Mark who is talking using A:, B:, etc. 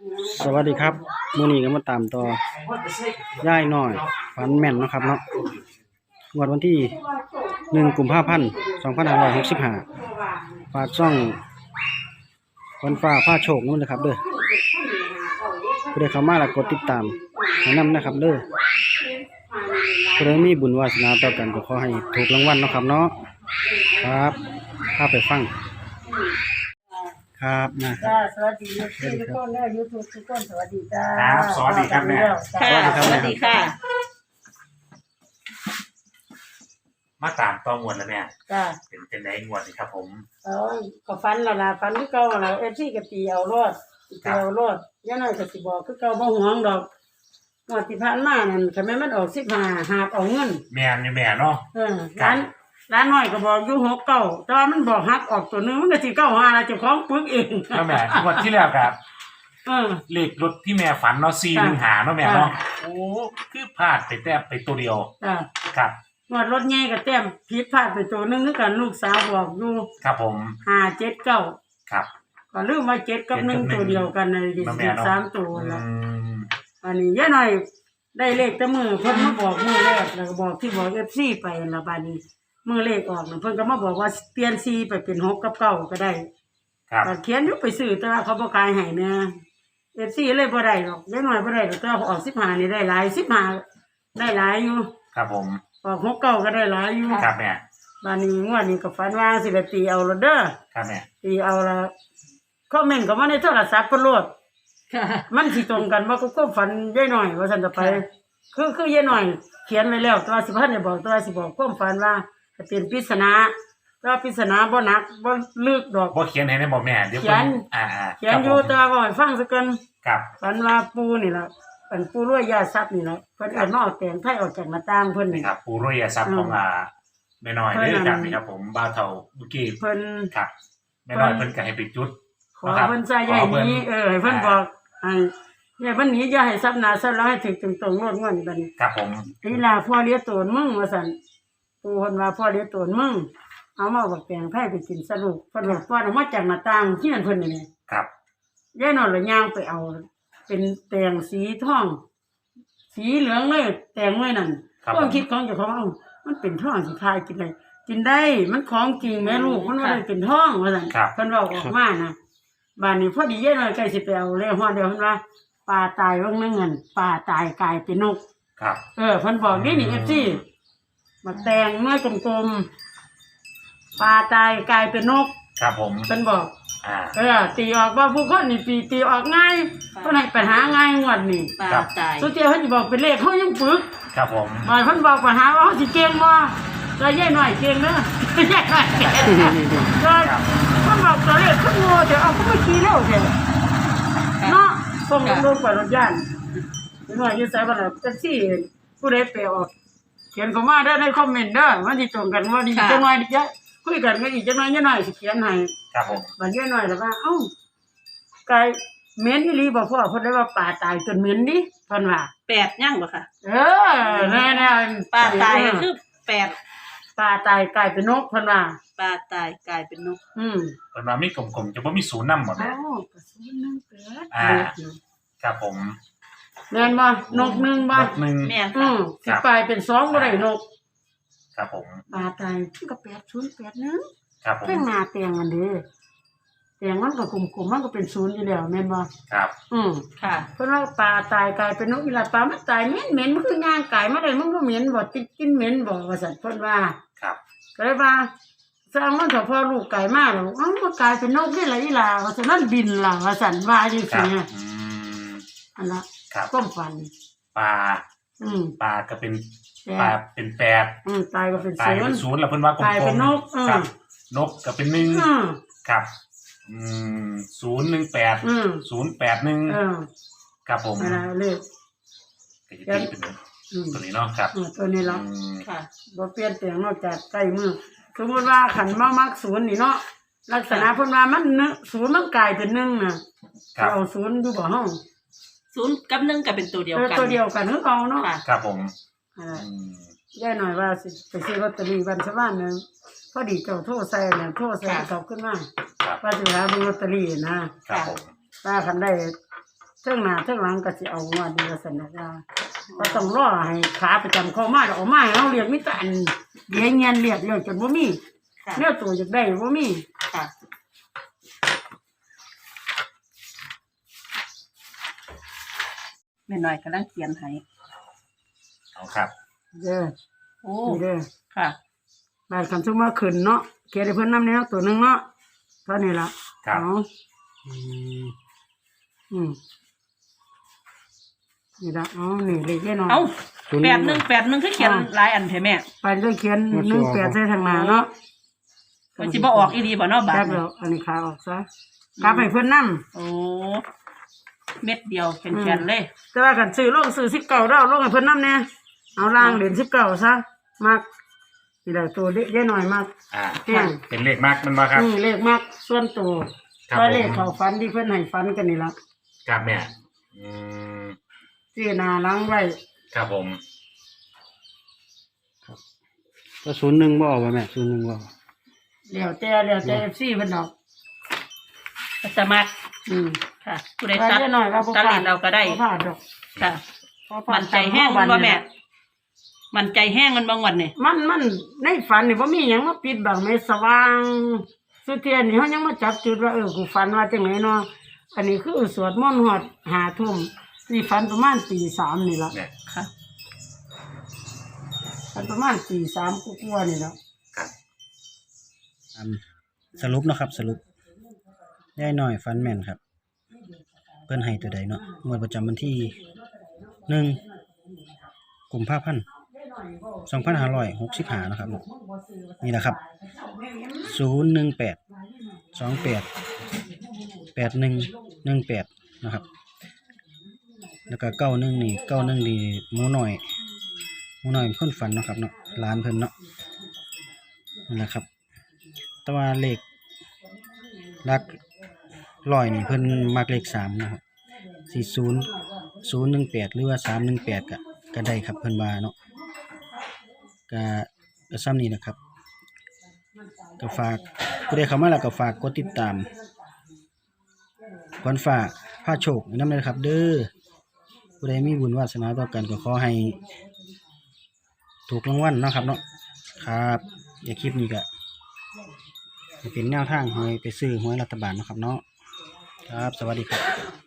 A: สวัสดีครับมื้อนี้ก็มาตามต่อย่ายน้อยฝันแม่นเนาะครับเนาะงวดวันที่1 กุมภาพันธ์ 2565ฝากช่องวันฟ้าผ้าโชคนั่นเลยครับเด้อผู้ใดเข้ามาแล้วกดติดตามให้นำนะครับเด้อผู้ใดมีบุญวาสนาต่อกันก็ขอให้ถูกรางวัลเนาะครับเนาะครับพาไปฟังครับนะครั
B: จ้า
A: บ
B: สวัสดีทุกคนนะยูทูบทุกคนสวัสดีจ้า
C: ครับสวัสดีครับแม่
B: ค่ะ
A: สวัสดีครับ
C: มาตามต่องวดแล้วแม่
B: จ้า
C: เป็นไงงวดนี่ครับผม
B: ก็ฟันแล้วล่ะฟันคือเก่าล่ะที่ก็ตีเอารอดตีเอารอดย่าน้อยก็สิบอกคือเก่าบ่ห่วงดอกงวดที่ผ่านมานั่นคันแม่นมันออก15หาบเอาเงิน
C: แม่นี่แม่เนาะ
B: ร้านน้อยก็บอกอยู่6เก้าแต่ว่ามันบอกหักออกตัวนึงมันก็สิเก้าหาล่ะเจ้าของปึกเอง
C: แล้วแม่งวดที่แล้วครับ
B: เออ
C: เลขรถที่แม่ฝันเนาะ415เนาะแม่เนาะโอ้คือพลาดไปแต้มไปตัวเดียว
B: จ้า
C: ครับ
B: งวดรถใหญ่ก็แต้มผิดพลาดไปตัวนึงคือกันลูกสาวบอกอยู่
C: ครับผม
B: 579
C: ครับ
B: ก็ลืมว่า7กับ1ตัวเดียวกันในดิ
C: แม่เนาะ
B: 3ตัวละ
C: ม
B: อันนี้ย่าหน่อยได้เลขแต่มือเพิ่นมาบอกมือแรกแล้วก็บอกที่บอก FC ไปละบาดนี้มือเลขออกน่ะเพิ่นก็มาบอกว่าเปลี่ยน4ไปเป็น6กับ9ก็ได้
C: ครับ
B: ก็เขียนอยู่ไปซื้อแต่ว่าเขาบ่ขายให้แม่ FC เลยบ่ได้หรอกย่าหน่อยบ่ได้หรอกแต่ว่าออก15นี่ได้หลาย15ได้หลายอยู่
C: ครับผม
B: ออก6 9ก็ได้หลายอยู่
C: ครับแม่
B: บาดนี้งวดนี้ก็ฝันว่าสิได้ตีเอาละเด้อ
C: ครับแม่
B: ตีเอาละคอมเมนต์ก็มาในโทรศัพท์เพิ่นโลด มันสิตรงกันว่าก็ความฝันยายหน่อยว่าซั่นจะไป คือยายหน่อย เขียนไว้แล้วแต่ว่าสิพันได้บอกแต่ว่าสิบอกความฝันว่าจะเป็นปริศนาแต่ว่าปริศนาบ่หนักบ่ลึกดอก
C: บ่เขียนให้ได้บ่แม่เดี๋ยว
B: เขียน เขียนอยู่แต่ว่าบ่ให้ฟังซะเกิน
C: ครับ
B: ฝันว่าปู่นี่ล่ะเป็นปู่รวยยาทรัพย์นี่ล่ะเพิ่นเอามาเอาแต่งไทยออกจากหน้าต่างเพิ่น
C: นี่
B: นี่
C: ครับปูรวยทรัพย์ของแม่น้อยเด้อครับนี่ครับผมบ้าวเฒ่าเมื่อกี้
B: เพิ่น
C: ครับแม่น้อยเพิ่นก็ให้ไปจุด
B: ขอเพิ่นใส่ใหญ่นี้ให้เพิ่นบอกให้เนี่ยเพิ่นหนีอย่าให้ทรัพย์หน้าทรัพย์แล้วให้ถึงตรงๆโลดงวดนี้บัดนี้
C: ครับผม
B: นี่ล่ะพ่อเลี้ยงโตนมึงว่าซั่นปู่เพิ่นว่าพ่อเลี้ยงโตนมึงเอามาบักแตงไผไปกินสรุปเพิ่นบอกพ่อเอามาจากหน้าต่างเฮียนเพิ่นนี่
C: ครับ
B: ยายนอนละย่างไปเอา เป็นแตงสีทอง สีเหลืองเลยแตงไว้นั่นความคิดของเจ้าของเอามันเป็นทองสิทายกินได้กินได้มันของจริงแม่ลูกมันบ่ได้เป็นทองว่าซั่นเพิ่นเว้าออกมานะบ้านนี้พอดียายน้อยใกล้สิไปเอาเลยฮอดเดียวเพิ่นว่าปลาตายว่างนึงนั่นปลาตายกลายเป็นนก
C: ครับ
B: เพิ่นบอกนี่FC มาแตงเมื่อกลมๆปลาตายกลายเป็นนก
C: ครับผม
B: เพิ่นบอก ตีออกว่าผู้คนนี่ตีออกง่ายเพิ่นให้ไปหาง่ายงวดนี่
D: ปลาตาย
B: สุดเจ้าเพิ่นสิบอกเป็นเลขเฮายังปึก
C: ครับผม
B: บ่เพิ่นบอกปัญหาว่าเฮาสิเก่งบ่ก็ยายน้อยเก่งเด้อยายน้อยเก่งก็เพิ่นบอกตัวเลขขึ้นโง่แต่เอาก็ไม่ขี่เร็วแท้เนาะส่งลงไปรถย่านยายน้อยอยู่ไสบ่ล่ะจังซี่ผู้ใดไปออกเขียนเข้ามาได้ในคอมเมนต์เด้อมันสิตรงกันว่าดีจังหน่อยดิจ้ะคุยกันก็อีกจังหน่อยยายน้อยสิเขียนให้
C: ครับผม
B: บัดยายน้อยแล้วว่าเอ้าไก่เหม็นอีหลีบ่พ่อเพิ่นได้ว่าปลาตายจนเหม็นดิเพิ่นว่า
D: 8ย่างบ่ค่ะ
B: แน่ๆ
D: ปลาตายก็คือ8
B: ปลาตายกลายเป็นนกเพิ่นว่า
D: ปลาตายกลายเป็นนก
C: เพิ่นว่ามีกลมๆจะบ่มีศูนย์นำหมด
B: โอ้
C: แม่
B: กระสุนนึงเกิด
C: ครับผม
B: แม่นบ่นกนึงบ่
C: รถหนึ่ง
D: แม่นค่ะ
B: สิกลายเป็น2บ่ได้นก
C: ครับผม
B: ปลาตายก็8081
C: ครับผม
B: เพิ่งหน้าแตงอันเด้แตงมันก็กลมๆมันก็เป็น0อยู่แล้วแม่นบ่
C: ครับ
D: ค่ะ
B: เพิ่นว่าปลาตายกลายเป็นนกอีหลาปลามันตายเหม็นมันคือย่างกายมาได้มันบ่เหม็นบ่กินเหม็นบ่ว่าซั่นเพิ่นว่า
C: ครับ
B: ก็เลยว่าสร้างมันเถอะพอลูกไก่มาแล้วเอ้ามันกลายเป็นนกนี่ล่ะอีหลาว่าซั่นนั่นบินล่ะว่าซั่นว่าจัง
C: ครั
B: ซี่
C: บ
B: นะอันละ
C: ครับ
B: ความฝัน
C: ปลา
B: อืม
C: ปลาก็เป็น
B: แต่
C: ปลาเป็นแปด
B: ตายก็เป็น
C: ตาย
B: ศู
C: เป็น
B: นย์
C: ศูนย์แล้วเพิ่นว่ากล
B: ตายเป็
C: ม
B: นนก
C: ๆครับนกก็เป็นหนึ่ง
B: อืม
C: ครับ018
B: อืม
C: 081ครับผม
B: นั่นล่ะเลข
C: ก็จะตีเป็น
B: อืม
C: ตัวนี้เนาะครับ
B: ตัวนี้ล่ะ
D: ค่ะ
B: บ่เปลี่ยนแปลงนอกจากใกล้มือสมมุติว่าขันมามักศูนย์นี่เนาะลักษณะเพิ่นว่ามันศูนย์มันกลายเป็น1น่ะ
C: ครับ
B: เอาศูนย์อยู่บ่เฮา
D: 0กับ1ก็เป็นตัวเดียวกัน
B: ตัวเดียวกันคือเอาเนาะ
D: ค่ะ
C: ครับผม
B: อ่า ย่าหน่อยว่าสิไปซื้อลอตเตอรี่วันชาวบ้านนึงพอดีเจ้าโทรใส่เนี่ยโทรใส่ตอบขึ้นมา
C: ครับ
B: ว่าสิหาเบิ่งลอตเตอรี่นะครับ
C: ผม
B: ว่าคันได้เท่งหน้าเท่งหลังก็สิเอางวดเดียวสนอกก็ต้องรอให้ขาประจำเข้ามาแล้วออกมาให้เราเรียกมิตรอันเดี๋ยวเงียนเรียกจนบ่มี
D: ค่ะ
B: เนี่ยตัวอยากได้บ่มี
D: ค่ะแม่น้อยกำลังเขียนให้
C: เอาครับ
B: เด้อ
D: โอ้
B: นี่เด้อ
D: ค่ะ
B: บาดคำสมมาขึ้นเนาะเขียนให้เพิ่นนำแนวตัวหนึงเนาะเท่านี้ล่ะ
C: ครับ
B: เอา
A: อืม
B: อืมนี่ละอ๋อนี่เลขแน่นอน
D: เอ้า
A: ศูนย์
D: 81คือเขียนหลายอันแท้แม่
B: ไปเลยเขียน18ใส่ทางหน้าเนาะ
D: มันสิบ่ออกอีหลีบ่เนาะบาด
B: แป๊บ
D: นี้
B: แล้วอันนี้ขาออกซะกลับให้เพิ่นนำ
D: โอ้เม็ดเดียวแข็งๆเลย
B: แต่ว่ากันซื้อลงซื้อ19ดาวลงให้เพิ่นนำแน่เอาล่างเหรียญ19ซะมักนี่แหละตัวเล็กน้อยมาก
C: อ่า
B: แห้ง
C: เป็นเลขมากมันมาครับ
B: เลขมากส่วนตัว
C: ครับ
B: ก็เลข
C: ผม
B: เขาฟันที่เพิ่นให้ฟันกันนี่ล่ะ
C: ครับแม่อืม
B: ซื้อหน้าหลังไว้
C: ครับผม
A: ก็01บ่ออกบ่แม่01บ่ออก
B: แล้วแต่ FC เพิ่นดอก
D: สมัคร
B: อืม
D: ค่ะผู้ใด
B: ว่า
D: ตัด
B: เยอะหน่อยว่าบ่
D: ตัดเลนเราก็ได้
B: บ่พลาดดอก
D: ค่ะ
B: บ่พลาด
D: มันใจแห้งมันบ่แม่ มันใจแห้งมันบางวันนี่
B: มันในฝันนี่บ่มีหยังมาปิดบังแม่สว่างสุดเทียนนี่เฮายังมาจับจุดว่ากูฝันว่าจังไหนเนาะอันนี้คือสวดมนต์ฮอด5 ทุ่มนี่ฝันประมาณตี 3นี่ล่ะ
C: เนี่ย
D: ค่ะ
B: ฝันประมาณตี 3กว่าๆนี่ล่ะ
C: ครับ
A: สรุปเนาะครับสรุปยายน้อยฟันแม่นครับ เพิ่นให้ตัวใดเนาะงวดประจำวันที่1กุมภาพันธ์2565นะครับเนาะนี่แหละครับ018 28 8118นะครับแล้วก็91นี่91นี่หมูน้อยเป็นคนฝันเนาะครับเนาะหลานเพิ่นเนาะนั่นแหละครับ แต่ว่าเลขหลักร้อยนี่เพิ่นมักเลข3นะครับ40 018หรือว่า318ก็ได้ครับเพิ่นว่าเนาะก็ซ้ำนี้นะครับก็ฝากผู้ใดเข้ามาแล้วก็ฝากกดติดตามขวัญฟ้าพาโชคให้นำเลยครับ เด้อผู้ใดมีบุญวาสนาต่อกันก็ขอให้ถูกรางวัลเนาะครับเนาะครับอย่าคลิปนี้ก็เป็นแนวทางให้ไปซื้อหวยรัฐบาลเนาะครับเนาะครับสวัสดีครับ